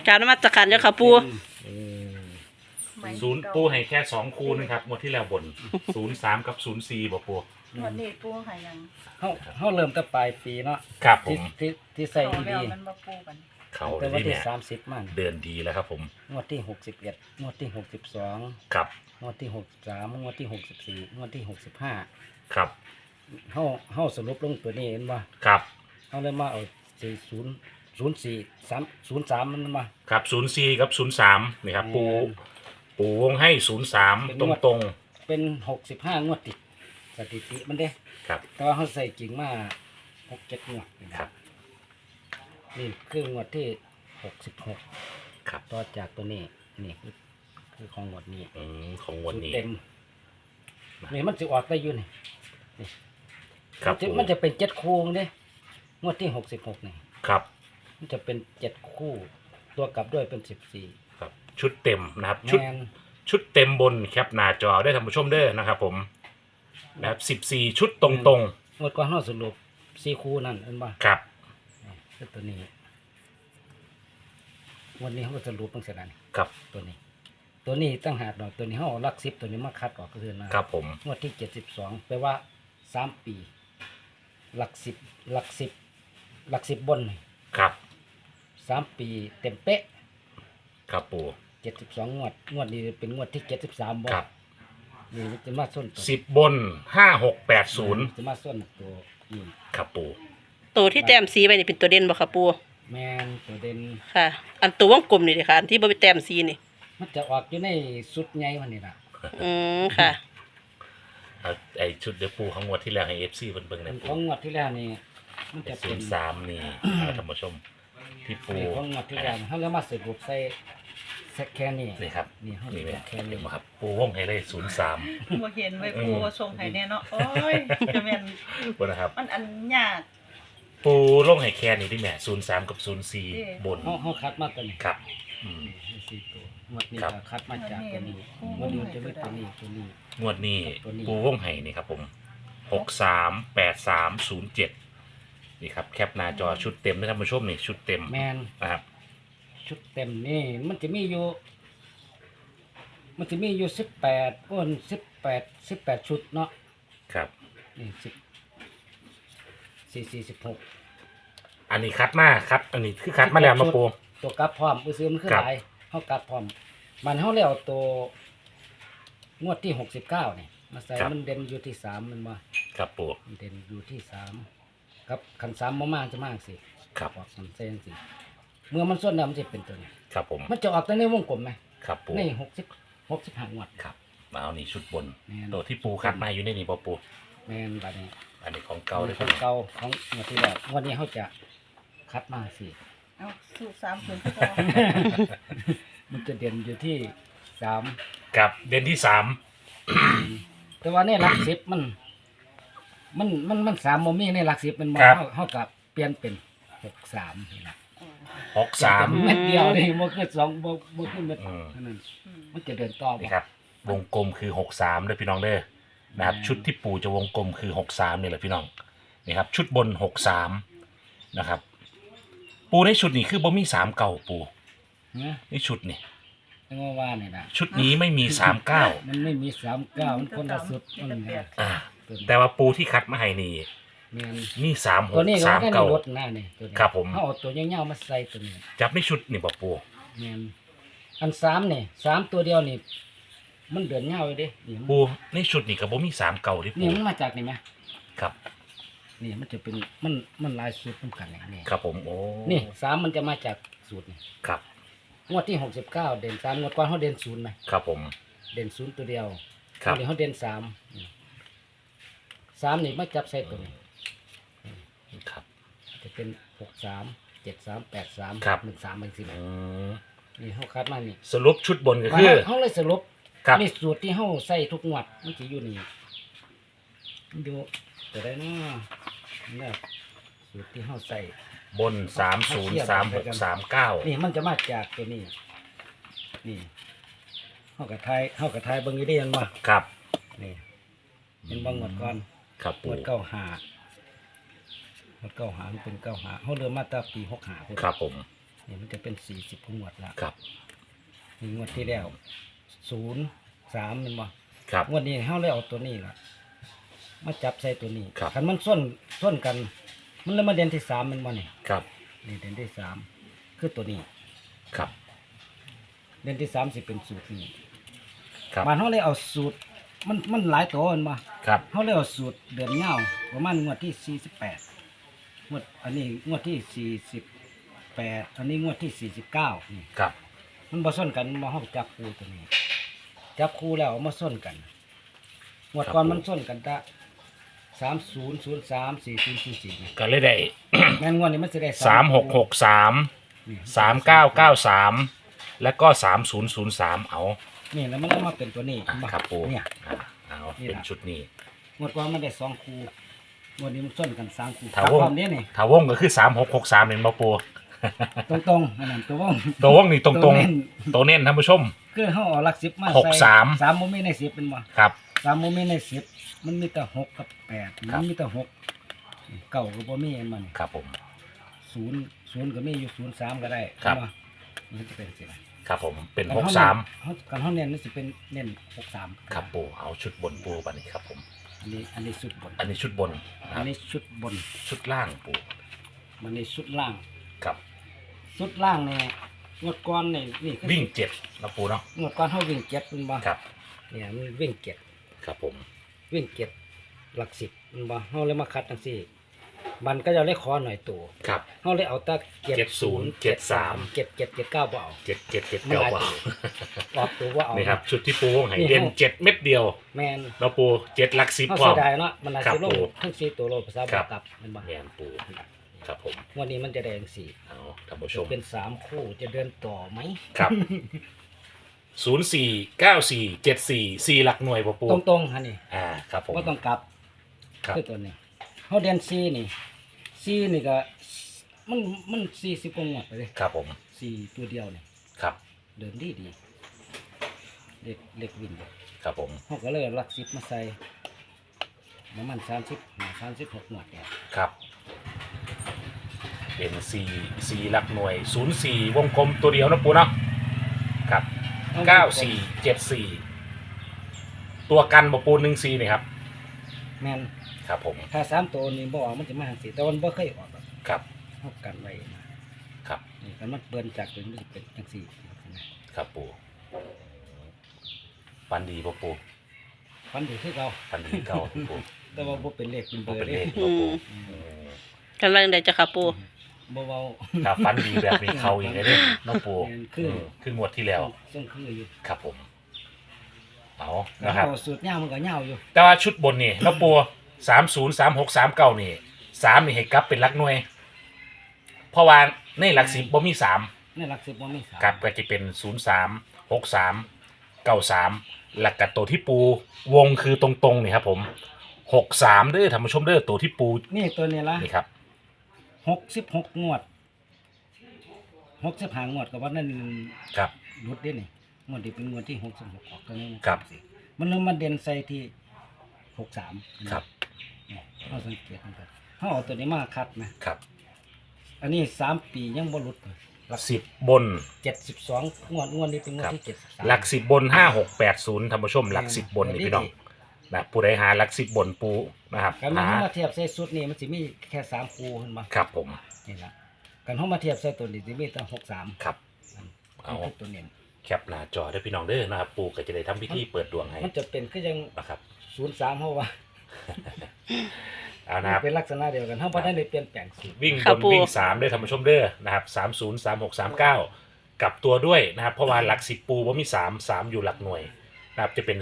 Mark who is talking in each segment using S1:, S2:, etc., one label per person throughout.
S1: กรารนมัสการเจ้าค่ะปู
S2: ศูนย์ปูให้แค่2คูนะครับงวดที่แล้วบน03กับ04บ่ปู
S3: วันนี้ปูให้ยัง
S4: เขาเริ่มตั้งปลายปีเนาะ
S2: ครับผ
S4: ที่
S2: ม
S4: ที่ใส่
S3: เอา
S4: อี
S3: แล้ว
S4: ดี
S3: มันมาปูกัน
S2: เขา
S4: แต่วัน
S2: ที่
S4: ที่
S2: เนี่ย
S4: 30มัน
S2: เดินดีแล้วครับผม
S4: งวดที่61งวดที่62
S2: ครับ
S4: งวดที่63งวดที่64งวดที่65
S2: ครับ
S4: เฮาสรุปลงตัวนี้เห็นบ่
S2: ครับ
S4: เฮาเลยมาเอา404303มันมา
S2: ครับ04กับ03นี่ครับปูวงให้03ตรง
S4: เป็น65งวดติดสถิติมันเด้
S2: ๆครับ
S4: แต่ว่าเฮาใส่จริงมา6-7งวด
S2: ครับ
S4: นี่คืองวดที่66
S2: ครับ
S4: ต่อจากตัวนี้นี่คือของงวดนี้
S2: ของงวันนี้
S4: เต็มนี่มันจะออกได้อยู่นี่
S2: ครับปู
S4: มันจะเป็น7คู่เด้งวดที่66นี่
S2: ครับ
S4: มันจะเป็น7คู่ ตัวกลับด้วยเป็น14
S2: ครับชุดเต็มนะครับ
S4: แมน
S2: ชุดเต็มบนแคปหน้าจอได้ท่านผู้ชมเด้อนะครับผมนะครับ14ชุดตรง
S4: งวดก่อนเฮาสรุป4คู่นั่นเห็นบ่
S2: ๆครับ
S4: คือตัวนี้วันนี้เฮาก็สรุปจังซี่นั่น
S2: ครับ
S4: ตัวนี้ ตัวนี้ตั้งหากดอกตัวนี้เฮาเอาหลัก10ตัวนี้มาคัดออกก็คือนะครับ
S2: ผม
S4: งวดที่72แปลว่า3ปีหลัก10หลัก10บนนี่
S2: ครับ
S4: 3ปีเต็มเป๊ะ
S2: ครับปู
S4: 72งวดนี้เป็นงวดที่73บ่
S2: ครับ
S4: นี่มันจะมาส้นตัว
S2: 10บน5680
S4: จะมาส้นตัวนี่
S2: ครับปู
S1: ตัวที่แต้มสีไปนี่เป็นตัวเด่นบ่ค่ะปู
S4: แม่นตัวเด่น
S1: ค่ะ อันตัววงกลมนี่เด้อค่ะอันที่บ่เป็นแต้มสีนี่
S4: มันจะออกอยู่ในสุดใหญ่วันนี้ล่ะ
S1: ค่ะ
S2: เอาไอชุดเดือปูของงวดที่แล้วให้ FC เบิ่งๆ
S4: เป็
S2: นะ
S4: นข
S2: ปู
S4: องงวดที่แล้วนี่มันจะ
S2: ศู
S4: เป็น
S2: นย์สามนี่ท่านผู้ชมที่ปู
S4: นี่ของงวดที่แล้วเฮาเลยมาสรุปใส่แค่นี้
S2: นี่ครับ
S4: นี่เฮา
S2: นี่ไหม
S4: แค่
S2: เห็
S4: นี้
S2: นไหมครับปูวงให้เลย03
S3: บ่เห็นไว้ปูว่าส่งให้แน่เนาะโอ้ยจะแม่น
S2: บนนะครับ
S3: มันอันยาก
S2: ปูลงให้แค่นี้ดิแม่03กับ04บน
S4: เฮาคัดมาตัวนี้
S2: ครับอืม
S4: นี่สี่ตัวงวดนี้
S2: ครับ
S4: ก็คัดมาจากตัวนี้งวดนี้มันจะมีตัวนี้ตัวนี้
S2: งวดนี้
S4: ตัวนี้
S2: ปูวงให้นี่ครับผม638307นี่ครับแคปหน้าจอชุดเต็มนะท่านผู้ชมนี่ชุดเต็ม
S4: แม่น
S2: นะครับ
S4: ชุดเต็มนี่มันจะมีอยู่18ก้น18ชุดเนาะ
S2: ครับ
S4: นี่16
S2: อันนี้คัดมาคัดอันนี้คือคัดมาแล้วมาปู
S4: ตัวกลับพร้อมซื้อมันคือ
S2: ครับ
S4: หลายเฮากลับพร้อมมันเฮาแล้วตัวงวดที่69นี่มาใส่มันเด่นอยู่ที่3มันบ่
S2: ครับปู
S4: มันเด่นอยู่ที่3ครับคัน3บ่มาจะมาจังซี่
S2: ครับ
S4: ออกมันใส่จังซี่เมื่อมันส่วนแล้วมันจะเป็นตัวนี้
S2: ครับผม
S4: มันจะออกแต่ในวงกลมไหม
S2: ครับปู
S4: ใน65งวด
S2: ครับมาเอานี่ชุดบน
S4: แม่น
S2: ตัวที่ปูคัดมาอยู่ในนี่ปอปู
S4: แม่นบัดนี้
S2: อันนี้ของเก่าเลย
S4: ข
S2: ครั
S4: อบ งเก่าของงวดที่แล้วงวดนี้เขาจะคัดมาสิ
S3: เอาสูตร30คือพอ
S4: มันจะเด่นอยู่ที่3
S2: กับเด่นที่3
S4: แต่ว่าในหลัก10มัน3บ่มีในหลัก10มันมาเฮากับเปลี่ยนเป็น63นี่ล่ะ
S2: 63
S4: เม็ดเดียวนี่บ่คือ2บ่คือเม็ด
S2: อืม
S4: นั่น
S3: อืม
S4: มันจะเดินต่อ
S2: นี่ครับวงกลมคือ63ด้วยพี่น้องเด้อนะครับชุดที่ปูจะวงกลมคือ63นี่แหละพี่น้องนี่ครับชุดบน63นะครับปูในชุดนี้คือบ่มี3เก่าปู
S4: นะ
S2: ในชุดนี่
S4: จังว่านี่น่ะ
S2: ชุดนี้ไม่มี39
S4: มันไม่มี39มันคนละสุดมัน
S3: มีแต่
S2: อ่า
S4: ตัวนี้
S2: แต่ว่าปูที่คัดมาให้นี่
S4: แม่น
S2: มี
S4: ตัวนี้
S2: 36
S4: ก็ได้ในรถ
S2: 39
S4: หน้านี่ตัวนี้
S2: ครับผม
S4: เฮาเอาตัวยาวๆมาใส่ตัวนี้
S2: จับในชุดนี่บ่ปู
S4: แม่นอัน3นี่3ตัวเดียวนี่มันเดินยาวเลยเด้นี่
S2: ปูในชุดนี่ก็บ่มี3เก่าดิ
S4: นี่
S2: ปู
S4: มันมาจากนี่ไหม
S2: ครับ
S4: นี่มันจะเป็นมันหลายสูตรนำกันนี่
S2: ครับผมโอ้
S4: นี่3มันจะมาจากสูตรนี่
S2: ครับ
S4: งวดที่69เด่น3งวดก่อนเฮาเด่น0ไหม
S2: ครับผม
S4: เด่น0ตัวเดียว
S2: ครับ
S4: งวดนี้เฮาเด่น3นี่3นี่มาจับใส่ตัวนี้
S2: ครับ
S4: จะเป็น63 73 83
S2: ครับ
S4: 13จังซี่
S2: อืม
S4: นี่เฮาคัดมานี่
S2: สรุปชุดบนก็คือ
S4: เฮาเลยสรุป
S2: ครับ
S4: นี่สูตรที่เฮาใส่ทุกงวดมันสิอยู่นี่มันอยู่ตัวใดเนาะนี่สูตรที่เฮาใส่
S2: บน303639
S4: นี่มันจะมาจากตัวนี้ นี่เฮากระทายเบิ่งอยู่ได้ยังบ่
S2: ครับ
S4: นี่เป็นบ่งวดก่อน
S2: ครับ
S4: ง
S2: ปู
S4: วด95งวด95มันเป็น95เฮาเริ่มมาตั้งปี65พุ่น
S2: ครับผม
S4: นี่มันจะเป็น40งวดละ
S2: ครับ
S4: นี่งวดที่แล้ว03แม่นบ่
S2: ครับ
S4: งวดนี้เฮาเลยเอาตัวนี้ล่ะมาจับใส่ตัวนี้
S2: ครับ
S4: คันมันส้นกัน มันเลยมาเด่นที่3แม่นบ่นี่
S2: ครับ
S4: นี่เด่นที่3คือตัวนี้
S2: ครับ
S4: เด่นที่3สิเป็นสูตรนี้
S2: ครับ
S4: บ้านเฮาเลยเอาสูตรมันหลายตัวแม่นบ่
S2: ครับ
S4: เฮาเลยเอาสูตรเดือนยาวประมาณงวดที่48งวดอันนี้งวดที่48อันนี้งวดที่49นี่
S2: ครับ
S4: มันบ่ส้นกันมาเฮาจับคู่ตัวนี้ จับคู่แล้วเอามาส้นกันงวดก่อนมันส้นกันตะ3003 4004นี่
S2: ก็เลยได้
S4: แม่นงวดนี้มันสิได้
S2: 3663
S4: นี่
S2: 3993 แล้วก็3003เอา
S4: นี่แล้วมันก็มาเป็นตัวนี้
S2: ครับปู
S4: เนี่ย
S2: เอา
S4: นี่
S2: เป็น
S4: ล่ะ
S2: ชุดนี้
S4: งวดก่อนมันได้2คู่งวดนี้มันส้นกัน3คู่
S2: ถ้าวง
S4: ความนี้นี่
S2: ถ้าวงก็คือ3663เนี่ยมาปู
S4: ตรงๆอันนั้นตัววง
S2: ตัววงนี่ตรง
S4: ตัวเน้น
S2: ๆตัวเน้นท่านผู้ชม
S4: คือเฮาเอาหลัก10มา
S2: หก
S4: ใส่
S2: สาม
S4: 3บ่มีใน10เป็นบ่
S2: ครับ
S4: 3บ่มีใน10มันมีแต่6กับ8
S2: ครั
S4: มั
S2: บ
S4: นมีแต่6เก้าก็บ่มีอันมัน
S2: ครับผม
S4: 0ก็มีอยู่03ก็ได้
S2: ครับ
S4: เห็นมันจะเป็นสิล่ะ
S2: ครับผมเป็น
S4: กัน
S2: 63
S4: เฮาเน้นมันสิเป็นเน้น63
S2: ครับปูเอาชุดบนปูปะนี่ครับผม
S4: อันนี้ชุดบน
S2: อันนี้ชุดบนนะค
S4: อั
S2: รั
S4: น
S2: บ
S4: นี้ชุดบน
S2: ชุดล่างปู
S4: มันนี่ชุดล่าง
S2: ครับ
S4: ชุดล่างเนี่ยงวดก่อนนี่คือ
S2: วิ่ง7นะปูเนาะ
S4: งวดก่อนเฮาวิ่ง7เป็นบ่
S2: ครับ
S4: เนี่ยมันวิ่ง7
S2: ครับผม
S4: วิ่ง7หลัก10เป็นบ่เฮาเลยมาคัดจังซี่มันก็จะเลยขอหน่อยตัว
S2: ครับ
S4: เฮาเลยเอาแตะ
S2: 70 73
S4: 77 79บ่เอา
S2: 7779
S4: มันหลาย
S2: เปล่า
S4: ออกตัวว่าเอา
S2: นี่ครับชุดที่ปูวงให้
S4: นี่
S2: เด่น
S4: เฮา
S2: 7 เม็ดเดียว
S4: แม่น
S2: แล้วปู7หลัก10
S4: เฮา
S2: พร้อ
S4: เสี
S2: ม
S4: ยดายเนาะมันน่า
S2: ครับ
S4: สิลง
S2: ปู่
S4: ทั้ง4ตัวโลภาษา
S2: ครับ
S4: กลับแม่นบ่
S2: แมนปูครับผม
S4: วันนี้มันจะได้จังซี่
S2: เอาท่านผู้ชม
S4: เป็น3คู่จะเดินต่อไหม
S2: ครับ 049474 4หลักหน่วยปูปู
S4: ตรงๆฮะนี่
S2: ครับผม
S4: บ่ต้องกลับ
S2: ครับ
S4: คือตัวนี้เขาเรียนซีนี่ซีนี่ก็มัน40กว่างวดไปเลย
S2: ครับผม
S4: ซีตัวเดียวนี่
S2: ครับ
S4: เดินดีเล็กวิน
S2: ครับผม
S4: เขาก็เลยหลัก10มาใส่ประมาณ36งวดเนี่ย
S2: ครับเป็น4หลักหน่วย 04 วงกลมตัวเดียวนะปูเนาะครับ9474 ตัวกันบ่ปู14นี่ครับ
S4: แม่น
S2: ครับผม
S4: ถ้า3ตัวนี้บ่ออกมันจะมาจังซี่แต่มันบ่เคยออกหรอก
S2: ครับ
S4: เฮากันไว้นะครับ นี่คันมันเปิ้นจากตัวนี้มันสิเป็นจังซี่นะครับ
S2: ปูฟันดีบ่ปู
S4: ฟันดีคือเก่า
S2: ฟันดีเก่าปู
S4: แต่ว่าบ่เป็นเลขเป็นเบ
S2: บ่
S4: อร์
S2: เป็น
S4: เด้
S2: เลขบ่ปู
S1: อืม กำลังได้จะค่ะปู
S4: บ่เว้า
S2: ถ้าฟันดีแบบนี้เขาอีกเลยเด้น้องปู
S4: คือ
S2: คืองวดที่แล้ว
S4: ส่งคืออยู่
S2: ครับผมเอา
S4: นะ
S2: นะ
S4: ค
S2: ค
S4: รั
S2: รั
S4: บบ สูตรยาวมันก็ยาวอยู่
S2: แต่ว่าชุดบนนี่น้องปู303639นี่3นี่ให้กลับเป็นหลักหน่วย เพราะว่าในหลัก10บ่มี3
S4: ในหลัก10บ่มีสาม
S2: ครับก็จะเป็น036393หลักกับตัวที่ปูวงคือตรงๆนี่ครับผม63เด้อท่านผู้ชมเด้อตัวที่ปู
S4: นี่ตัวนี้ละ
S2: นี่ครับ
S4: 66งวด65งวดก็ว่านั่น
S2: ครับ
S4: รุดเด้นี่งวดนี้เป็นงวดที่66ออกตัวนี้
S2: ครับ
S4: มันเลยมาเด่นใส่ที่63
S2: ครับ
S4: เฮาสังเกตมันก็เฮาเอาตัวนี้มาคัดนะครับ อันนี้3ปียังบ่หลุดเลยหลัก
S2: 10บน
S4: 72งวดนี้เป็นงวดที่73
S2: หลัก10บน5680ท่านผู้ชมหลัก10บนนี่พี่น้องนะผู้ใดหาหลัก10บนปูนะครับ
S4: กันมัน
S2: หา
S4: เฮามาเทียบใส่สุดนี่มันสิมีแค่3คู่เห็นบ่
S2: ครับผม
S4: นี่ล่ะกันเฮามาเทียบใส่ตัวนี้สิมีแต่63
S2: ครับ
S4: เอา
S2: เอา
S4: ตัวเน้น
S2: แคปหน้าจอได้อพี่น้องเด้อนะครับ ปูก็จะได้ทำพิธีเปิดดวงให้
S4: มันจะเป็นคือยัง
S2: นะครับ
S4: 03เฮาว่า
S2: เอานะครับ
S4: เป็นลักษณะเดียวกันเฮาบ่ได้เปลี่ยนแปลงสูตร
S2: วิ่ง
S1: ครับ
S2: บน
S1: ปู
S2: วิ่ง3ด้วยท่านผู้ชมเด้อนะครับ303639กลับตัวด้วยนะครับเพราะว่าหลัก10ปูว่ามี3อยู่หลักหน่วยนะครับจะเป็น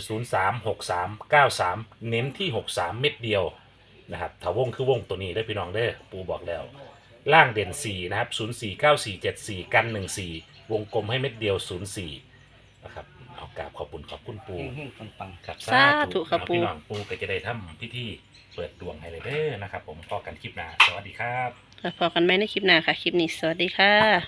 S2: 036393เน้นที่63เม็ดเดียวนะครับถ้าวงคือวงตัวนี้ได้อพี่น้องเด้อปูบอกแล้ว ล่างเด่น4นะครับ049474กัน14วงกลมให้เม็ดเดียว04นะครับเอากราบขอบคุณปู
S4: เฮงๆปัง
S2: ครับ
S1: สาธุครับปู่
S2: พี่น้องปูก็จะได้ทำพิธีเปิดดวงให้เลยเด้อนะครับผมพอกันคลิปหน้าสวัสดีครับ
S1: แล้วพอกันไหมในคลิปหน้าค่ะ คลิปนี้สวัสดีค่ะ